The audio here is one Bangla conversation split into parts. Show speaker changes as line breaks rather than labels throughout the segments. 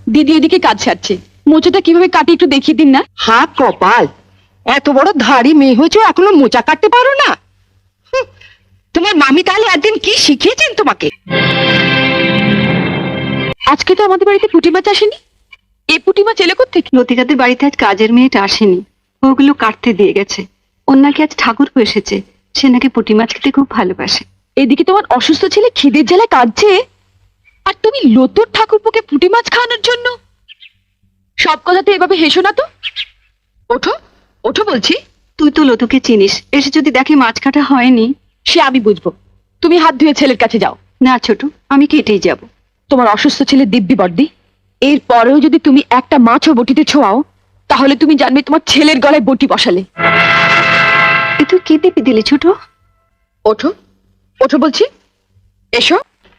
দিদি এদিকে কাজ ছাড়ছে, মোচাটা কিভাবে কাটে একটু দেখিয়ে দিন না।
হা কপাল, এত বড় ধাড়ি মেয়ে হয়েছে এখনো মোচা কাটতে পারো না? হুঁ, তোমার মামি তাহলে একদিন কি শিখিয়েছেন তোমাকে?
আজকে তো আমাদের বাড়িতে পুঁটি মাছ আসেনি। এ পুঁটি মাছ এলো কোত্থেকে?
লতিকাদের বাড়িতে আজ কাজের মেয়েটা আসেনি, ওগুলো কাটতে দিয়ে গেছে। ওর নাকি আজ ঠাকুর এসেছে, সে নাকি পুঁটি মাছ খেতে খুব ভালোবাসে।
এদিকে তোমার অসুস্থ ছেলে খিদের জ্বালায় কাঁদছে, আর তুমি লতুর ঠাকুরপোকে পুঁটি মাছ খাওয়ানোর জন্য। সব কথাতে এভাবে হেসো না তো। ওঠো ওঠো বলছি।
তুই তো লতুকে চিনিস, এসে যদি দেখি মাছ কাটা হয়নি।
সে আমি বুঝবো, তুমি হাত ধুয়ে ছেলের কাছে যাও।
না ছোট, আমি কেটেই যাব।
তোমার অসুস্থ ছেলে দিব্যি বর্দি, এর পরেও যদি তুমি একটা মাছও বটিতে ছোঁয়াও, তাহলে তুমি জানবে তোমার ছেলের গলায় বটি বসালে।
এ তুই কি দিবি দিলি ছোট?
ওঠো ওঠো বলছি, এসো।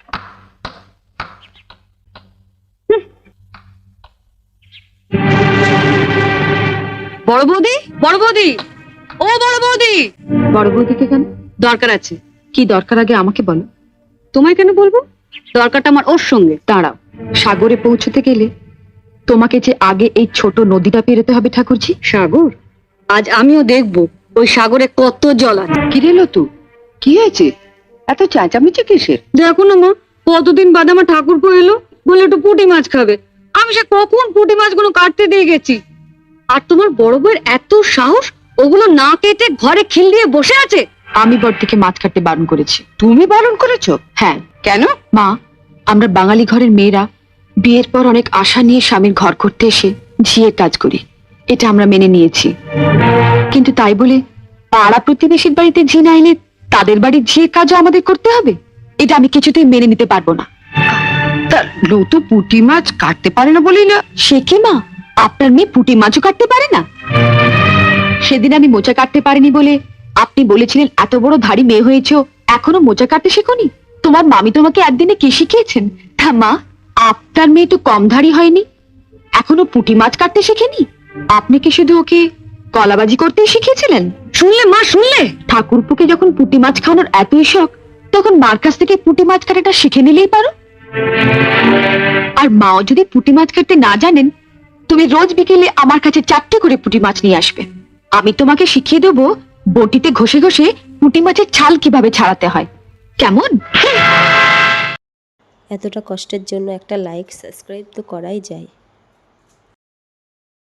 বড় বৌদি, বড় বৌদি, ও বড় বৌদি।
বড় বৌদিকে কেন?
দরকার আছে।
কি দরকার আগে আমাকে বলো।
তোমায় কেন বলবো? দরকারটা আমার ওর সঙ্গে।
দাঁড়াও, সাগরে পৌঁছতে গেলে তোমাকে যে আগে এই ছোট নদীটা পেরোতে হবে ঠাকুরজি।
সাগর? আজ আমিও দেখবো ওই সাগরে কত জল আছে।
কি রে লতু, কি হয়েছে? এত চেঁচামেচি কিসের?
দেখো না মা, কতদিন বাদে আমার ঠাকুরপো এলো, বলে একটু পুঁটি মাছ খাবে। আমি সে কখন পুঁটি মাছগুলো কাটতে দিয়ে গেছি, আর তোমার বড় বউয়ের এত সাহস, ওগুলো না কেটে ঘরে খিল দিয়ে বসে আছে।
আমি বড়দিকে মাছ কাটতে বারণ করেছি।
তুমি বারণ করেছো?
হ্যাঁ।
কেন?
মা, আমরা বাঙালি ঘরের মেয়েরা বিয়ের পর অনেক আশা নিয়ে স্বামীর ঘর করতে এসে ঝিয়ের কাজ করি, এটা আমরা মেনে নিয়েছি। কিন্তু তাই বলে পাড়া প্রতিবেশীর বাড়িতে ঝি না এলে তাদের বাড়ির ঝিয়ের কাজও আমাদের করতে হবে? এটা আমি কিছুতেই মেনে নিতে পারবো না।
তা লতু পুঁটি মাছ কাটতে পারে না বলি না?
সে কি মা, আপনার মেয়ে পুঁটি মাছও কাটতে পারে না? সেদিন আমি মোচা কাটতে পারিনি বলে আপনি বলেছিলেন এত বড় ধাড়ি মেয়ে হয়েছো, এখনো মোচা কাটতে শেখোনি? তোমার মামি তোমাকে একদিনে কি শিখিয়েছেন? তা মা, আপনার মেয়ে তো কম ধাড়ি হয়নি, এখনো পুঁটি মাছ কাটতে শেখেনি। আপনি কি শুধু ওকে কলাবাজি করতে শিখিয়েছিলেন?
শুনলে মা, শুনলে?
ঠাকুরপুকে যখন পুঁটি মাছ খাওয়ানোর এতই শখ, তখন মার কাছ থেকে পুঁটি মাছ কাটাটা শিখে নিলেই পারো। আর মাও যদি পুঁটি মাছ কাটতে না জানেন, তুমি রোজ বিকেলে আমার কাছে 4টে করে পুঁটি মাছ নিয়ে আসবে। আমি তোমাকে শিখিয়ে দেবো বটিতে ঘষে ঘষে পুঁটি মাছের ছাল কিভাবে ছাড়াতে হয়। কেমন?
এতটা কষ্টের জন্য একটা লাইক সাবস্ক্রাইব তো করাই যায়।